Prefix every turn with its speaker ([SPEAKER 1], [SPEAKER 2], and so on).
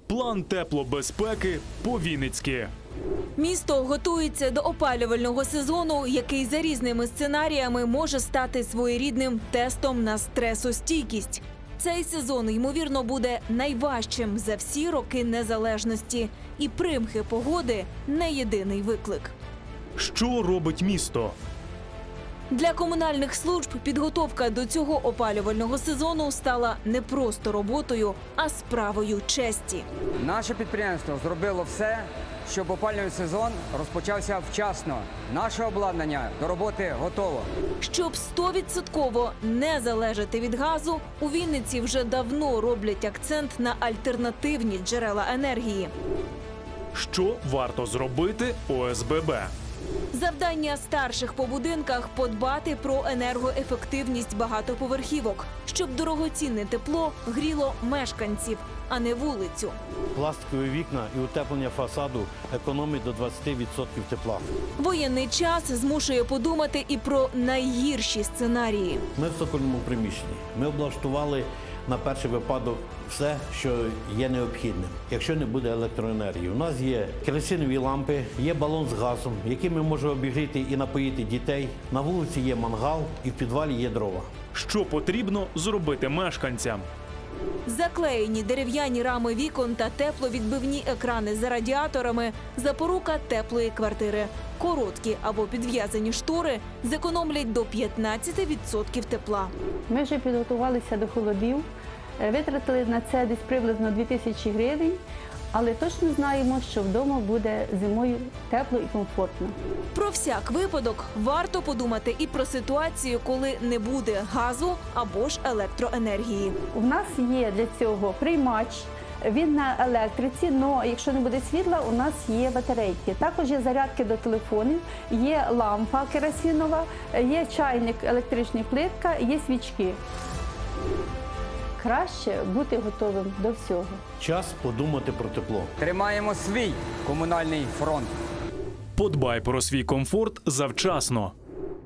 [SPEAKER 1] План теплобезпеки по-вінницьки.
[SPEAKER 2] Місто готується до опалювального сезону, який за різними сценаріями може стати своєрідним тестом на стресостійкість. Цей сезон, ймовірно, буде найважчим за всі роки незалежності. І примхи погоди – не єдиний виклик.
[SPEAKER 1] Що робить місто?
[SPEAKER 2] Для комунальних служб підготовка до цього опалювального сезону стала не просто роботою, а справою честі.
[SPEAKER 3] Наше підприємство зробило все, щоб опалювальний сезон розпочався вчасно. Наше обладнання до роботи готово.
[SPEAKER 2] Щоб 100% не залежати від газу, у Вінниці вже давно роблять акцент на альтернативні джерела енергії.
[SPEAKER 1] Що варто зробити ОСББ?
[SPEAKER 2] Завдання старших по будинках – подбати про енергоефективність багатоповерхівок, щоб дорогоцінне тепло гріло мешканців, а не вулицю.
[SPEAKER 4] Пластикові вікна і утеплення фасаду економить до 20% тепла.
[SPEAKER 2] Воєнний час змушує подумати і про найгірші сценарії.
[SPEAKER 4] Ми в цокольному приміщенні. Ми облаштували на перший випадок все, що є необхідним, якщо не буде електроенергії. У нас є керосинові лампи, є балон з газом, яким ми можемо обігріти і напоїти дітей. На вулиці є мангал і в підвалі є дрова.
[SPEAKER 1] Що потрібно зробити мешканцям?
[SPEAKER 2] Заклеєні дерев'яні рами вікон та тепловідбивні екрани за радіаторами – запорука теплої квартири. Короткі або підв'язані штори зекономлять до 15% тепла.
[SPEAKER 5] Ми вже підготувалися до холодів, витратили на це десь приблизно 2000 гривень, але точно знаємо, що вдома буде зимою тепло і комфортно.
[SPEAKER 2] Про всяк випадок варто подумати і про ситуацію, коли не буде газу або ж електроенергії.
[SPEAKER 5] У нас є для цього приймач, він на електриці, але якщо не буде світла, у нас є батарейки. Також є зарядки до телефонів, є лампа керосинова, є чайник, електрична плитка, є свічки. Краще бути готовим до всього.
[SPEAKER 4] Час подумати про тепло.
[SPEAKER 3] Тримаємо свій комунальний фронт.
[SPEAKER 1] Подбай про свій комфорт завчасно.